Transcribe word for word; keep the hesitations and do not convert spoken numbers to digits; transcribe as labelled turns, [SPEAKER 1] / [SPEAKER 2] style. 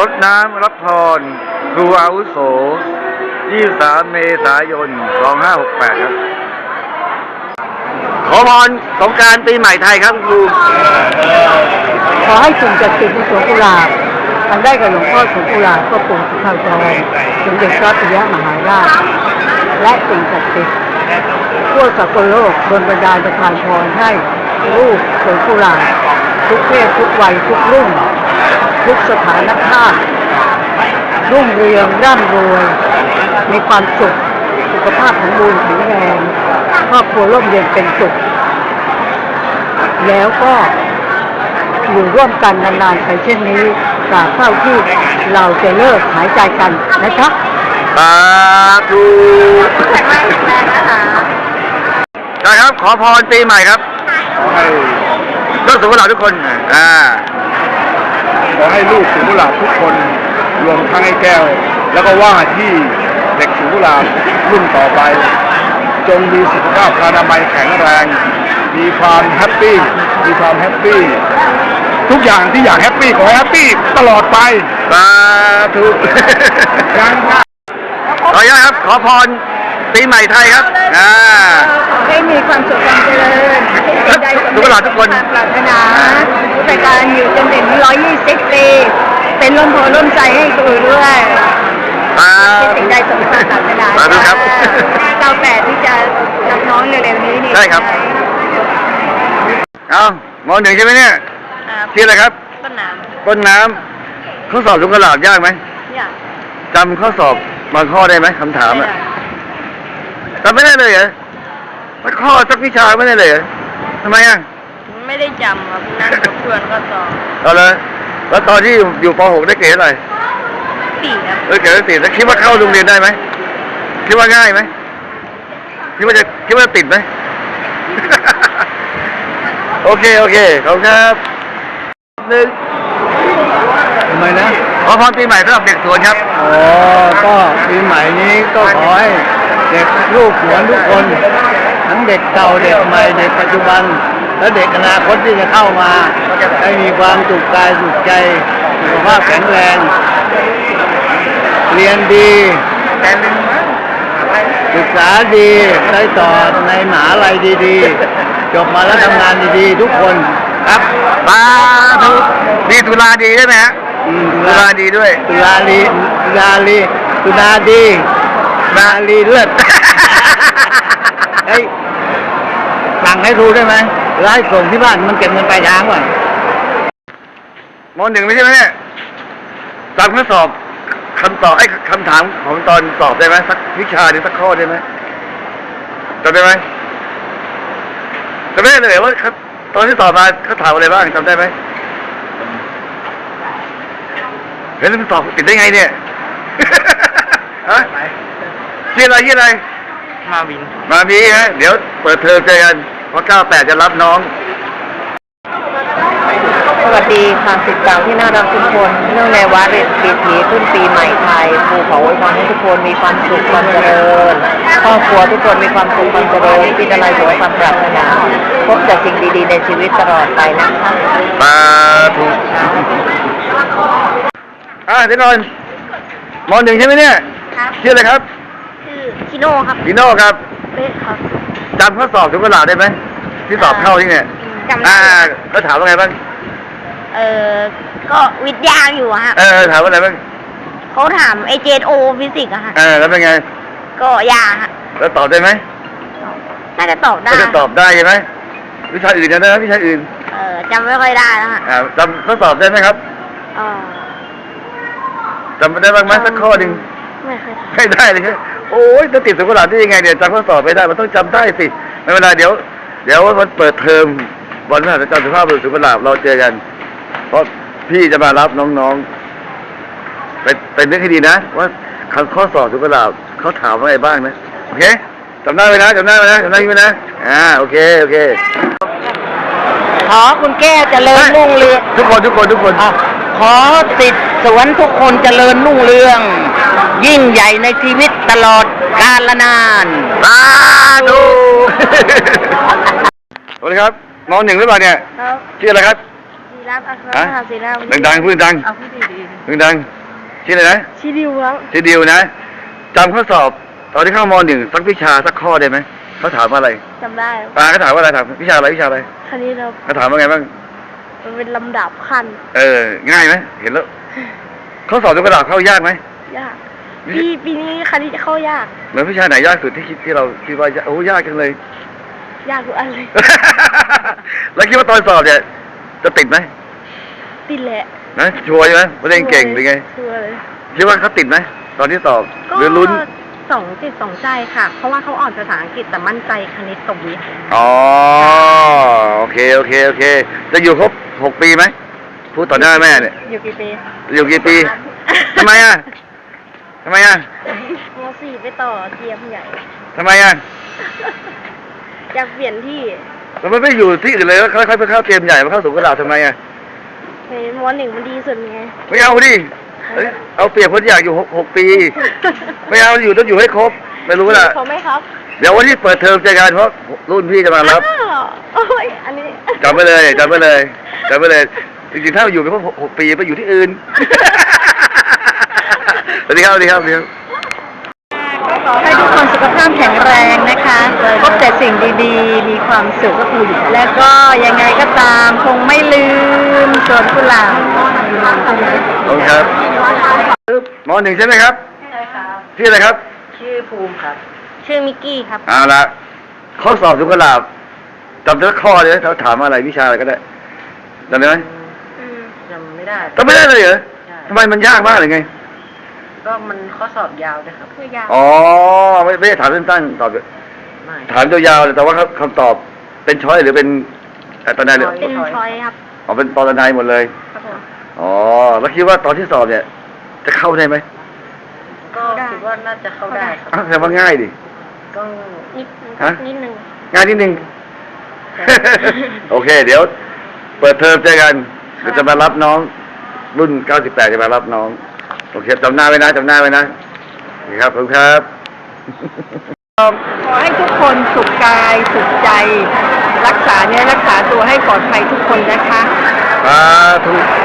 [SPEAKER 1] ดน้ำรับพรครูอาวุโสยี่สิบสามเมษายนสองห้าหกแปดครับขอพรสงกรานต์ปีใหม่ไทยครับครู
[SPEAKER 2] ขอให้สิ่งศักดิ์สิทธิ์ในสวนกุหลาบทำได้กับหลวงพ่อสวนกุหลาบก็ปู่สุขาวจรสมเด็จพระปิยมหาราชและสิ่งศักดิ์สิทธิ์ทั่วสากลโลกบนบรรดาประทานพรให้ลูกสวนกุหลาบทุกเพศทุกวัยทุกรุ่นทุกสถานภาพรุ่งเรืองร่ำรวยมีความสุขสุขภาพสมบูรณ์แข็งแรงครอบครัวร่มเย็นเป็นสุขแล้วก็อยู่ร่วมกันนานๆไปเช่นนี้ตราบเท่าที่เราจะเลิกหายใจกันนะครับ
[SPEAKER 1] สาธุใช่ครับขอพรปีใหม่ครับขอให้ลูกสุขหลาบทุกคนอ่า
[SPEAKER 3] ขอให้ลูกสุขหลาบทุกคนรวมทั้งไอ้แก้วแล้วก็ว่าที่เด็กสุขหลาบรุ่นต่อไปจงมีสุขภาพอนามัยแข็งแรงมีความแฮปปี้มีความแฮปปี้ทุกอย่างที่อยากแฮปปี้ขอให้แฮปปี้ตลอดไป
[SPEAKER 1] สาธุ
[SPEAKER 3] ยัง
[SPEAKER 1] ขออนุญาตครับขอพรปีใหม่ไทยครับอ่า
[SPEAKER 2] ให้มีความสุขความเจริญ
[SPEAKER 1] ได้ทุกหลาทุกคน
[SPEAKER 2] ปรารถนาในการอยู่จนถึงร้อยยี่สิบปีเป็นร่มโพล่มใจให้ตัวด้วยสิ่งใดสมความปรารถนา
[SPEAKER 1] สาธุครับ
[SPEAKER 2] เก้าแปดที่จะรับน้องเร็วๆนี้นี่
[SPEAKER 1] ใช่ครับเอามอหนึ่งใช่ไหมเนี่ยชื่ออะไรครับ
[SPEAKER 2] ต้นน้ำ
[SPEAKER 1] ต้นน้ำข้อสอบลุงกระหลาบยากไหม
[SPEAKER 2] ยาก
[SPEAKER 1] จำข้อสอบบางข้อได้ไหมคำถามอ่ะจำไม่ได้เลยเหรอสักข้อสักวิชาไม่ได้เลยเหรอทำไมอ่ะ
[SPEAKER 2] ไม่ได้จำครับนั่งกับเพื่อนก็สอบ
[SPEAKER 1] เอาเลยแล้วตอนที่อยู่ป หกได้เกรดอะไร
[SPEAKER 2] สี่ครับ
[SPEAKER 1] เออเกรดสี่แล้วคิดว่าเข้าโรงเรียนได้ไหมคิดว่าง่ายไหมคิดว่าจะคิดว่าจะติดไหมโอเคโอเคขอบคุณครับหนึ่ง
[SPEAKER 3] ทำไมนะ
[SPEAKER 1] ขอพรปีใหม่สำหรับเด็กสวนครับ
[SPEAKER 3] อ๋อก็ปีใหม่นี้ก็ขอให้เด็กลูกสวนทุกคนทั้งเด็กเก่าเด็กใหม่เด็กปัจจุบันและเด็กอนาคตที่จะเข้ามาให้มีความสุขกายสุขใจสุขภาพแข็งแรงเรียนดีศึกษาดีได้ต่อในมหาลัยดีๆจบมาแล้วทำงานดีๆทุกคนครับ
[SPEAKER 1] สาธุดีตุลาดีได้ไหมฮะตุลาดีด้วย
[SPEAKER 3] ตุลาลีตุลาลีตุลาดีนาลีเลือดเฮ้ยสั่งให้ครูได้ไหมไล่ส่งที่บ้านมันเก็บเงินปลายทางก่อน
[SPEAKER 1] มหนึ่งไม่ใช่ไหมเนี่ยตามข้อสอบคำตอบไอ้คำถามของตอนสอบได้ไหมสักวิชาหรือสักข้อได้ไหมจำได้ไหมจำได้เลยว่าตอนที่สอบมาเขาถามอะไรบ้างจำได้ไหมเฮ้ยมันสอบติดได้ไงเนี่ยฮะชื่ออะไรชื่ออะไร
[SPEAKER 2] มาวิน
[SPEAKER 1] มาวีฮะเดี๋ยวเปิดเทอมเจอกันเพราะเก้าแปดจะรับน้อง
[SPEAKER 2] สวัสดีค่ะสิทธิ์เก่าที่น่ารักทุกคนเนื่องในวาระปีถีขึ้นปีใหม่ไทยครูขออวยพรให้ทุกคนมีความสุขความเจริญครอบครัวทุกคนมีความสุขความเจริญคิดอะไรขอให้ความปรารถนาพบแต่สิ่งดีๆในชีวิตตลอดไปนะคะ
[SPEAKER 1] สาธุอ่าเดี๋ยวก่อนมอหนึ่งใช่ไหมเนี่ยชื่ออะไรครับ
[SPEAKER 2] ชื่อชิโน่ครับ
[SPEAKER 1] ชิโน่ครับ
[SPEAKER 2] เป๊ะครับ
[SPEAKER 1] จำข้อสอบทุกเวลาได้ไหมที่สอบเข้าที่เนี่ย
[SPEAKER 2] จำได้
[SPEAKER 1] ก็ถามว่าไงบ้าง
[SPEAKER 2] เออก็วิทยาอยู่ฮะ
[SPEAKER 1] เออถามว่าอะไรบ้าง
[SPEAKER 2] เขาถามไอเจนโอฟิสิกส์อะฮะ
[SPEAKER 1] เออแล้วเป็นไง
[SPEAKER 2] ก็ยากฮะ
[SPEAKER 1] แล้วตอบได้ไหม
[SPEAKER 2] น่าจะตอบได้
[SPEAKER 1] น่าจะตอบได้ใช่ไหมวิชาอื่นนะวิชาอื่น
[SPEAKER 2] เออจำไม่ค่อยได้แล้วฮะ
[SPEAKER 1] อ่าจำข้อสอบได้ไหมครับ
[SPEAKER 2] อ๋อ
[SPEAKER 1] จำได้บ้างไหมสักข้อหนึ่ง
[SPEAKER 2] ไม่เคย
[SPEAKER 1] ไม่ได้เลยโอ้ยจะติดสุขภาพได้ยังไงเดี๋ยวจำข้อสอบไม่ได้มันต้องจำได้สิไม่เป็นไรเดี๋ยวเดี๋ยววันเปิดเทอมวันพฤหัสจำสุขภาพสุขภาพเราเจอกันเพราะพี่จะมารับน้องๆไปไปนึกให้ดีนะว่าคำข้อสอบสุขภาพเขาถามว่าอะไรบ้างนะโอเคจำได้ไหมนะจำได้ไหมนะจำได้ไหมนะอ่าโอเคโอเค
[SPEAKER 2] ขอคุณแก้วเจริญรุ่งเรือง
[SPEAKER 1] ทุกคนทุกคนทุกคน
[SPEAKER 2] ขอสิทธิ์สวนทุกคนเจริญรุ่งเรืองยิ่งใหญ่ในชีวิตตลอดกาลนาน
[SPEAKER 1] สาธุสวัสดีครับมอหนึ่งหรือเปล่าเนี่ย
[SPEAKER 2] ครับ
[SPEAKER 1] ชื่ออะไรครับ
[SPEAKER 4] รับอัครมหาศิลา
[SPEAKER 1] ดังๆพูดดัง
[SPEAKER 2] เอาพูดดี
[SPEAKER 1] ๆดังๆชื่ออะไรนะ
[SPEAKER 4] ชิดิวครับ
[SPEAKER 1] ชื่อดิวนะจำข้อสอบตอนที่เข้ามหนึ่งสักวิชาสักข้อได้ไหมเขาถามว่าอะไร
[SPEAKER 4] จำได้
[SPEAKER 1] ปาเขาถามว่าอะไรถามวิชาอะไรวิชาอะไร
[SPEAKER 4] คณิตครับ
[SPEAKER 1] เขาถามว่าไงบ้าง
[SPEAKER 4] มันเป็นลำดับขั้น
[SPEAKER 1] เออง่ายไหมเห็นแล้วข้อสอบยกกระดาษเข้ายากไหม
[SPEAKER 4] ยากปีปีนี้คณิตเข้ายาก
[SPEAKER 1] เหมือนวิชาไหนยากสุดที่คิดที่เราคิดว่ายากโอ้ยากจังเลย
[SPEAKER 4] ยากทุกอันเลย
[SPEAKER 1] แล้วคิดว่าตอนสอบเนี่ยจะติดไหม
[SPEAKER 4] ติดแหละ
[SPEAKER 1] นะชัวร์ใช่ไหมไม่ได้เก่งหรือไง
[SPEAKER 4] ชัวร์เลย
[SPEAKER 1] คิดว่าเขาติดไหมตอนที่สอบ
[SPEAKER 2] ก็
[SPEAKER 1] หรือลุ้น
[SPEAKER 2] สองจิตสองใจค่ะ เพราะว่าเขาอ่อนภาษาอังกฤษแต่มั่นใจคณิตตกวิทย์
[SPEAKER 1] อ๋อโอเคโอเคโอเค จะอยู่ครบหกปีไหมพูดต่อหน้าแม่เนี่ย
[SPEAKER 2] อยู่กี่ปี
[SPEAKER 1] อยู่กี่ปีทำไมอ่ะทำไมอ่ะ
[SPEAKER 4] มสี่ไปต่อเทียมใหญ่
[SPEAKER 1] ทำไมอ่ะ
[SPEAKER 4] อยากเปลี่ยนที่
[SPEAKER 1] แล้วมันไม่อยู่ที่อื่นเลยแล้วค่อยๆไปเข้าเตรียมใหญ่มาเข้าสูงกระดาษทำไมอ่ะ
[SPEAKER 4] ในมหนึ่งมันดีสุดไง
[SPEAKER 1] ไม่เอาดิเอ้ยเอาเปรียบคนอยากอยู่หกหกปี ไม่เอาอยู่ต้องอยู่ให้ครบ ไม่รู้ล่ะ
[SPEAKER 4] เขาไหมครับ
[SPEAKER 1] เดี๋ยววันที่เปิดเทอมเจอกันเพราะรุ่นพี่จะมารับ
[SPEAKER 4] อ้าวโอ้ยอันนี้
[SPEAKER 1] จำไว้เลยจำไว้เลยจำไว้เลย จริงๆถ้าอยู่ไปครบหกหกปีไปอยู่ที่อื่น สวัสดีครับสวัสดีครับสวัสดีครับ
[SPEAKER 2] ก็ขอให้ทุกคนสุขภาพแข็งแรงนะคะพบแต่สิ่งดีๆ มีความสุขและก็ยังไงก็ตามคงไม่ลืมสวนกุหลาบ
[SPEAKER 1] ขอบคุณครับมหนึ่งใช่ไหมครับ
[SPEAKER 2] ใช่ครับ
[SPEAKER 1] ชื่ออะไรครับ
[SPEAKER 2] ชื่อภูมิครับ
[SPEAKER 4] ชื่อมิกกี้ครับ
[SPEAKER 1] เอาละข้อสอบสุขลาบจำได้ข้อเลยเขาถามอะไรวิชาอะไรก็ได้จำได้ไหม
[SPEAKER 2] จำไม่ได้
[SPEAKER 1] จำไม่ได้เลยเหรอ
[SPEAKER 2] ใช่
[SPEAKER 1] ทำไมมันยากมากเลยไง
[SPEAKER 2] ก็มันข้อสอบยาวนะครับ
[SPEAKER 4] คือยาว
[SPEAKER 1] อ๋อไม่ไม่ได้ถามสั้นๆตอบ
[SPEAKER 2] ไม่
[SPEAKER 1] ถามยาวๆเลยแต่ว่าคำตอบเป็นช้อยหรือเป็นเอ่อตอนไหนเลย
[SPEAKER 4] เป็นชอยครับ
[SPEAKER 1] อ๋อเป็นตอนไหนหมดเลย
[SPEAKER 4] ครับผม
[SPEAKER 1] อ๋อแล้วคิดว่าตอนที่สอบเนี่ย จะเข้าได้ไหม
[SPEAKER 2] ก็คิดว่าน่าจะเข้าได้ครับ
[SPEAKER 1] อ้าวแสดงว่าง่ายดิ
[SPEAKER 2] ก็
[SPEAKER 4] นิด
[SPEAKER 1] ฮะ
[SPEAKER 4] นิดนึง
[SPEAKER 1] ง่ายนิดนึง โอเค เดี๋ยว เปิดเทอมเจอกันเดี๋ยวจะมารับน้อง รุ่นเก้าสิบแปดจะมารับน้อง โอเคจำหน้าไว้นะจำหน้าไว้นะนี่ครับขอบคุณครับ
[SPEAKER 2] ขอให้ทุกคนสุขกายสุขใจ รักษาเนื้อรักษาตัวให้ปลอดภัยทุกคนนะคะ
[SPEAKER 1] สาธุ